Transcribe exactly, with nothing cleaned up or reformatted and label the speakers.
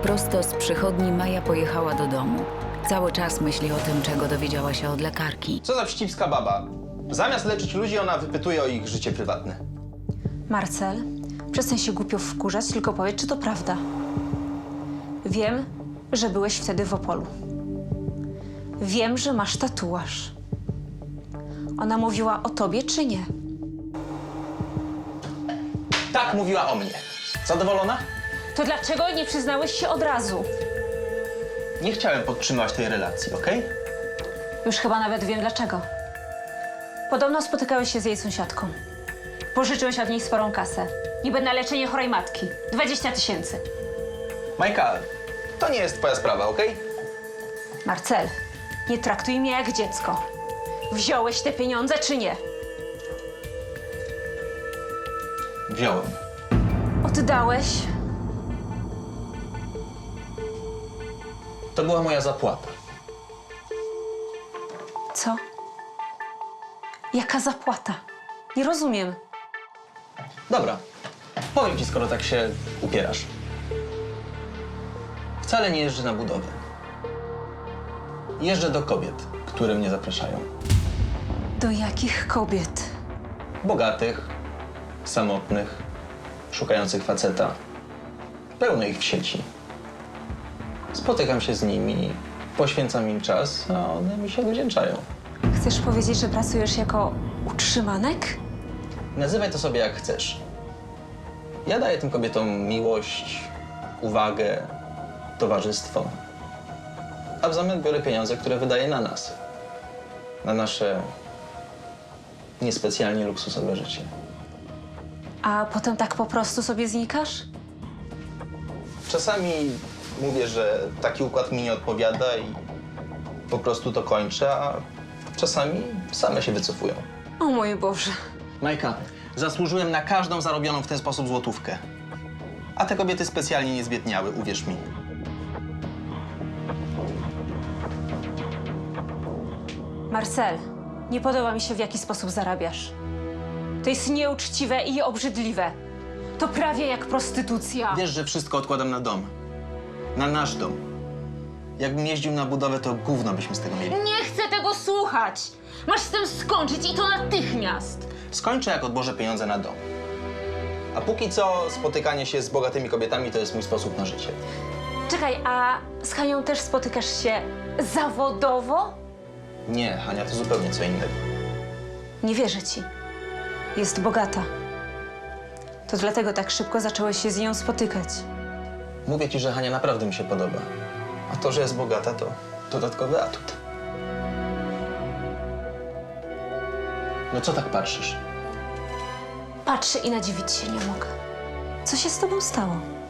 Speaker 1: Prosto z przychodni Maja pojechała do domu. Cały czas myśli o tym, czego dowiedziała się od lekarki.
Speaker 2: Co za wścibska baba. Zamiast leczyć ludzi, ona wypytuje o ich życie prywatne.
Speaker 3: Marcel, przestań się głupio wkurzać, tylko powiedz, czy to prawda. Wiem, że byłeś wtedy w Opolu. Wiem, że masz tatuaż. Ona mówiła o tobie, czy nie?
Speaker 2: Tak mówiła o mnie. Zadowolona?
Speaker 3: To dlaczego nie przyznałeś się od razu?
Speaker 2: Nie chciałem podtrzymywać tej relacji, okej?
Speaker 3: Już chyba nawet wiem dlaczego. Podobno spotykałeś się z jej sąsiadką. Pożyczyłeś od niej sporą kasę. Niby na leczenie chorej matki. dwadzieścia tysięcy.
Speaker 2: Majka, to nie jest twoja sprawa, okej?
Speaker 3: Marcel, nie traktuj mnie jak dziecko. Wziąłeś te pieniądze, czy nie?
Speaker 2: Wziąłem.
Speaker 3: Oddałeś?
Speaker 2: To była moja zapłata.
Speaker 3: Co? Jaka zapłata? Nie rozumiem.
Speaker 2: Dobra, powiem ci, skoro tak się upierasz. Wcale nie jeżdżę na budowę. Jeżdżę do kobiet, które mnie zapraszają.
Speaker 3: Do jakich kobiet?
Speaker 2: Bogatych, samotnych, szukających faceta. Pełno ich w sieci. Spotykam się z nimi, poświęcam im czas, a one mi się odwdzięczają.
Speaker 3: Chcesz powiedzieć, że pracujesz jako utrzymanek?
Speaker 2: Nazywaj to sobie jak chcesz. Ja daję tym kobietom miłość, uwagę, towarzystwo. A w zamian biorę pieniądze, które wydaję na nas. Na nasze niespecjalnie luksusowe życie.
Speaker 3: A potem tak po prostu sobie znikasz?
Speaker 2: Czasami mówię, że taki układ mi nie odpowiada i po prostu to kończę, a czasami same się wycofują.
Speaker 3: O mój Boże.
Speaker 2: Majka, zasłużyłem na każdą zarobioną w ten sposób złotówkę. A te kobiety specjalnie nie zbiedniały, uwierz mi.
Speaker 3: Marcel, nie podoba mi się, w jaki sposób zarabiasz. To jest nieuczciwe i obrzydliwe. To prawie jak prostytucja.
Speaker 2: Wiesz, że wszystko odkładam na dom. Na nasz dom. Jakbym jeździł na budowę, to gówno byśmy z tego mieli.
Speaker 3: Nie chcę tego słuchać! Masz z tym skończyć i to natychmiast!
Speaker 2: Skończę, jak odłożę pieniądze na dom. A póki co spotykanie się z bogatymi kobietami to jest mój sposób na życie.
Speaker 3: Czekaj, a z Hanią też spotykasz się zawodowo?
Speaker 2: Nie, Hania, to zupełnie co innego.
Speaker 3: Nie wierzę ci. Jest bogata. To dlatego tak szybko zacząłeś się z nią spotykać.
Speaker 2: Mówię ci, że Hania naprawdę mi się podoba. A to, że jest bogata, to dodatkowy atut. No co tak patrzysz?
Speaker 3: Patrzę i nadziwić się nie mogę. Co się z tobą stało?